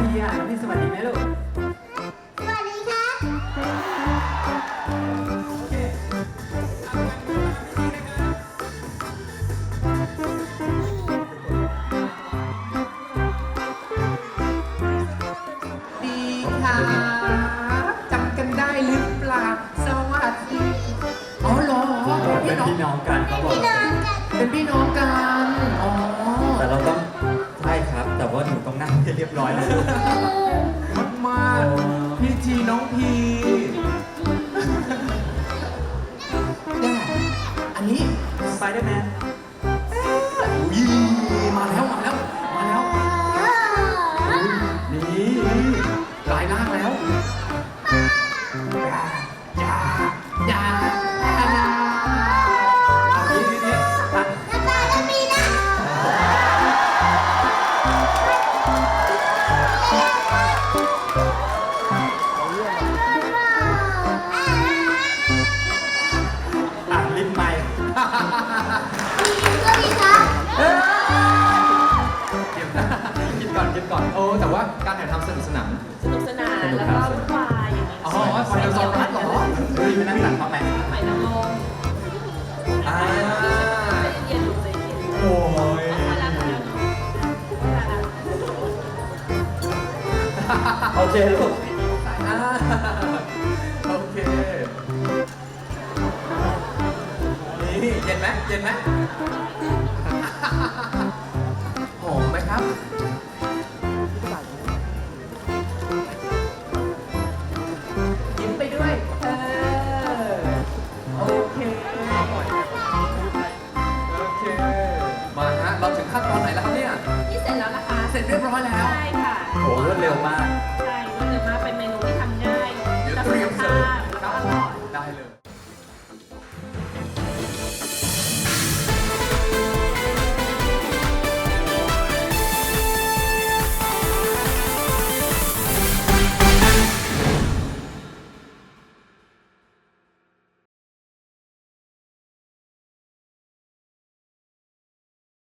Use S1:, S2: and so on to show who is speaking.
S1: พีอ่ะน้องพีสวัสดีไหมลูก
S2: สวัสดีค่ะ
S1: โอเคดีค่ะจำกันได้หรือเปล่าสวัสดีอ๋อเหรอ
S3: เป็นพี่น้องกันเขาบอก
S2: พี่น้องกัน
S1: เป็นพี่น้องกันอ๋อ
S3: แต่เราต้องใช่ครับ แต่ว่าหนูต้องนั่งให้เรียบร้อยนะ
S1: มากๆพี่ทีน้องพีแน่อันนี้
S3: สไปเดอร์แมน
S1: อุ้ยมาแล้วมาแล้วมาแล้วนี่ลายล่างแล้วอย่าอย่านี่นี่อ่ะ
S2: น้ำตาลปีนะ
S3: อ่ะลิ้นไม้
S2: สวัสดีค่ะ
S1: เดี๋ยวนะคิดก่อนคิดก่อนโอ้แต่ว่าการถ่ายทำสนุกสนาน
S4: สนุกสนานแล้วก็วุ่นวายอย่างนี้
S1: อ๋อไฟเดอร์ซอนรัสเหรอ
S3: เฮ้ยไปนั่งหลังเขาไหม
S4: ไฟนางรม
S1: อ่า
S4: ใจเย็นๆลูกใจเย็น
S1: โอ้ย
S4: ๆน่ารักน่ารักน่ารัก
S3: โอเคลูก
S1: อ่าโอเค นี่เย็นไหมเย็นไหมหอมไหมครับ ยิ้มไปด้วย โอเค โอเค มาฮะ เราถึงขั้นตอนไหนแล้วครับเนี่ย
S4: นี่เสร็จแล้วนะคะ
S1: เสร็จเรียบร้อยแล้ว
S4: ใช่ค่ะ
S3: โหรวดเร็วมาก
S1: โ